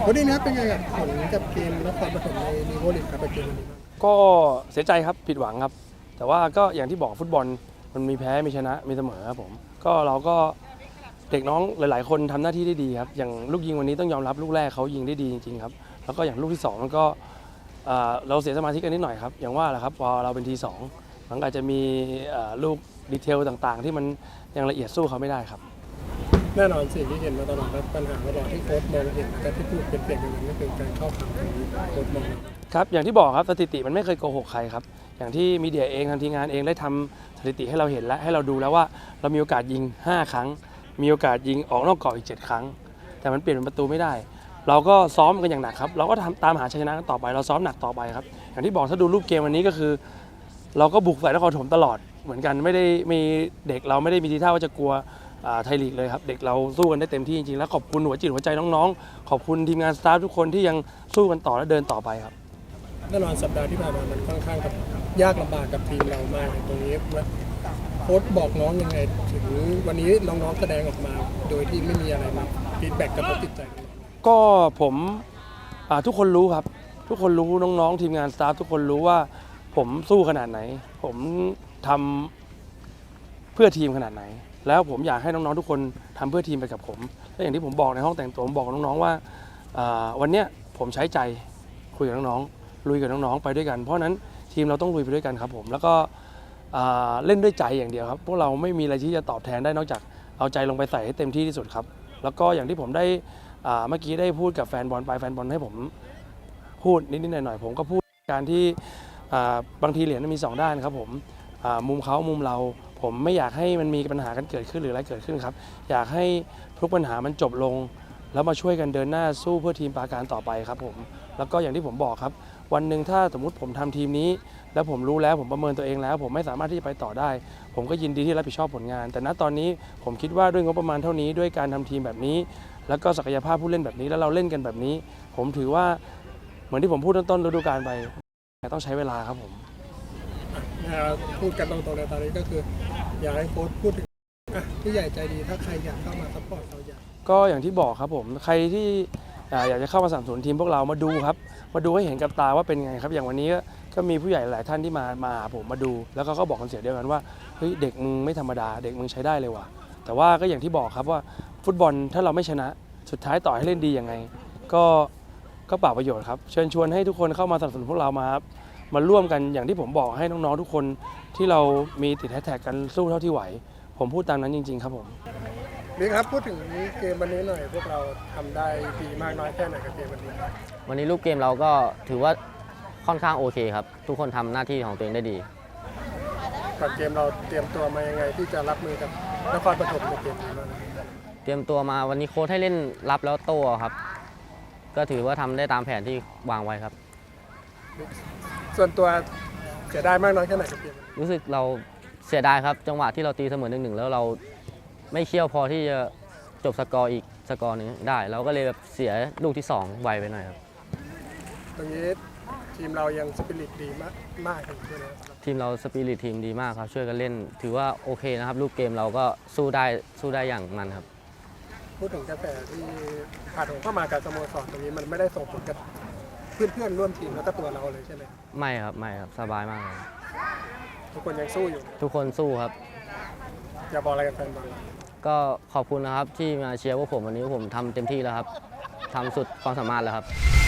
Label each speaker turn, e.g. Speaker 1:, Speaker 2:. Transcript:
Speaker 1: คนนี้นะเป็นไงกับผลกับเกมนครปฐมในลีโวลีกครับเกมวันนี้
Speaker 2: ก็เสียใจครับผิดหวังครับแต่ว่าก็อย่างที่บอกฟุตบอลมันมีแพ้มีชนะมีเสมอครับผมก็เราก็เด็กน้องหลายๆคนทำหน้าที่ได้ดีครับอย่างลูกยิงวันนี้ต้องยอมรับลูกแรกเขายิงได้ดีจริงๆครับแล้วก็อย่างลูกที่2มันก็เราเสียสมาธิกันนิดหน่อยครับอย่างว่าแหละครับพอเราเป็นทีสองมันอาจจะมีลูกดีเทลต่างๆ ที่มันยังละเอียดสู้เขาไม่ได้ครับ
Speaker 1: แน่นอนสิ่งที่เห็นมาตลอดและปัญหาตลอดที่โค้ชมองเห็นแต่ที่พูดเป็นเปลี่ยนอย่างนั้นก็คือการเข้าทางของโค้ชมอง
Speaker 2: ครับอย่างที่บอกครับสถิติมันไม่เคยโกหกใครครับอย่างที่มีเดียเองทางทีมงานเองได้ทำสถิติให้เราเห็นและให้เราดูแล้วว่าเรามีโอกาสยิง5ครั้งมีโอกาสยิงออกนอกกรอบอีก7ครั้งแต่มันเปลี่ยนเป็นประตูไม่ได้เราก็ซ้อมกันอย่างหนักครับเราก็ตามหาชัยชนะกันต่อไปเราซ้อมหนักต่อไปครับอย่างที่บอกถ้าดูรูปเกมวันนี้ก็คือเราก็บุกใส่นครปฐมตลอดเหมือนกันไม่ได้มีเด็กเราไม่ได้มีทีท่าว่าจะกลัวไทยลีกเลยครับเด็กเราสู้กันได้เต็มที่จริงๆแล้วขอบคุณหัวจิตหัวใจน้องๆขอบคุณทีมงานสตาฟทุกคนที่ยังสู้กันต่อและเดินต่อไปครับ
Speaker 1: แน่นอนสัปดาห์ที่ผ่านมามันค่อนข้างยากลำบากกับทีมเรามากตรงนี้โค้ชบอกน้องยังไงถึงวันนี้น้องๆแสดงออกมาโดยที่ไม่มีอะไรมาฟีดแบ็กกับจิตใจ
Speaker 2: ก็ผมทุกคนรู้ครับทุกคนรู้น้องๆทีมงานสตาฟทุกคนรู้ว่าผมสู้ขนาดไหนผมทำเพื่อทีมขนาดไหนแล้วผมอยากให้น้องๆทุกคนทำเพื่อทีมไปกับผมและอย่างที่ผมบอกในห้องแต่งตัวผมบอกน้องๆว่าวันเนี้ยผมใช้ใจคุยกับน้องๆลุยกับน้องๆไปด้วยกันเพราะนั้นทีมเราต้องลุยไปด้วยกันครับผมแล้วก็เล่นด้วยใจอย่างเดียวครับพวกเราไม่มีอะไรที่จะตอบแทนได้นอกจากเอาใจลงไปใส่ให้เต็มที่ที่สุดครับแล้วก็อย่างที่ผมได้เมื่อกี้ได้พูดกับแฟนบอลไปแฟนบอลให้ผมพูดนิดๆหน่อยๆผมก็พูดการที่บางทีเหรียญมันมี2ด้านครับผมมุมเขามุมเราผมไม่อยากให้มันมีปัญหากันเกิดขึ้นหรืออะไรเกิดขึ้นครับอยากให้ทุกปัญหามันจบลงแล้วมาช่วยกันเดินหน้าสู้เพื่อทีมปราการต่อไปครับผมแล้วก็อย่างที่ผมบอกครับวันหนึ่งถ้าสมมุติผมทำทีมนี้แล้วผมรู้แล้วผมประเมินตัวเองแล้วผมไม่สามารถที่จะไปต่อได้ผมก็ยินดีที่รับผิดชอบผลงานแต่ณตอนนี้ผมคิดว่าด้วยงบประมาณเท่านี้ด้วยการทำทีมแบบนี้แล้วก็ศักยภาพผู้เล่นแบบนี้แล้วเราเล่นกันแบบนี้ผมถือว่าเหมือนที่ผมพูดต้นฤดูกาลไปต้องใช้เวลาครับผม
Speaker 1: พูดกันตรงๆในตอนนี้ก็คืออยากให้โค้ชพูดถึงผู้ใหญ่ใจดีถ้าใครอยากเข้ามาซัพพอร์ตเรา
Speaker 2: ก็อย่างที่บอกครับผมใครที่อยากจะเข้ามาสนับสนุนทีมพวกเรามาดูครับมาดูให้เห็นกับตาว่าเป็นไงครับอย่างวันนี้ก็มีผู้ใหญ่หลายท่านที่มาหาผมมาดูแล้วก็บอกกันเสียงเดียวกันว่าเฮ้ยเด็กมึงไม่ธรรมดาเด็กมึงใช้ได้เลยว่ะแต่ว่าก็อย่างที่บอกครับว่าฟุตบอลถ้าเราไม่ชนะสุดท้ายต่อให้เล่นดียังไงก็เปล่าประโยชน์ครับเชิญชวนให้ทุกคนเข้ามาสนับสนุนพวกเรามาร่วมกันอย่างที่ผมบอกให้น้องๆทุกคนที่เรามีติดแฮชแท็กกันสู้เท่าที่ไหวผมพูดตามนั้นจริงๆครับผม
Speaker 1: นี่ครับพูดถึงเกมวันนี้หน่อยพวกเราทำได้ดีมากน้อยแค่ไหนกับเกมวันนี้
Speaker 3: วันนี้รูปเกมเราก็ถือว่าค่อนข้างโอเคครับทุกคนทำหน้าที่ของตัวเองได้ดี
Speaker 1: ก่อนเกมเราเตรียมตัวมายังไงที่จะรับมือกับนครปฐมในเกมนี้บ้าง
Speaker 3: เตรียมตัวมาวันนี้โค้ชให้เล่นรับแล้วโต้ครับก็ถือว่าทำได้ตามแผนที่วางไว้ครับ
Speaker 1: ส่วนตัวเสียดายมากน้อยแค่ไหนกับเกม
Speaker 3: รู้สึกเราเสียดายครับจังหวะที่เราตีเสมอ1-1แล้วเราไม่เชี่ยวพอที่จะจบสกอร์อีกสกอร์นึงได้เราก็เลยแบบเสียลูกที่2ไวไปหน่อยครับ
Speaker 1: ตรงนี้ทีมเรายังสปิริตดีมากเลย
Speaker 3: ทีมเราสปิริตทีมดีมากครับช่วยกันเล่นถือว่าโอเคนะครับลูกเกมเราก็สู้ได้อย่างมันครับ
Speaker 1: พูดถึงกระแสที่ผ่านเข้ามากับสโมสรตรงนี้มันไม่ได้ส่งผลกับเพื่อนร่วมทีมแล้วก็ตัวเราเลยใช่ไหม
Speaker 3: ไม่ครับสบายมากเลย
Speaker 1: ทุกคนยังสู้อยู่
Speaker 3: ทุกคนสู้ครับ
Speaker 1: อยากบอกอะไรกับแฟนบอล
Speaker 3: ก็ขอบคุณนะครับที่มาเชียร์พวกผมวันนี้ผมทำเต็มที่แล้วครับทำสุดความสามารถแล้วครับ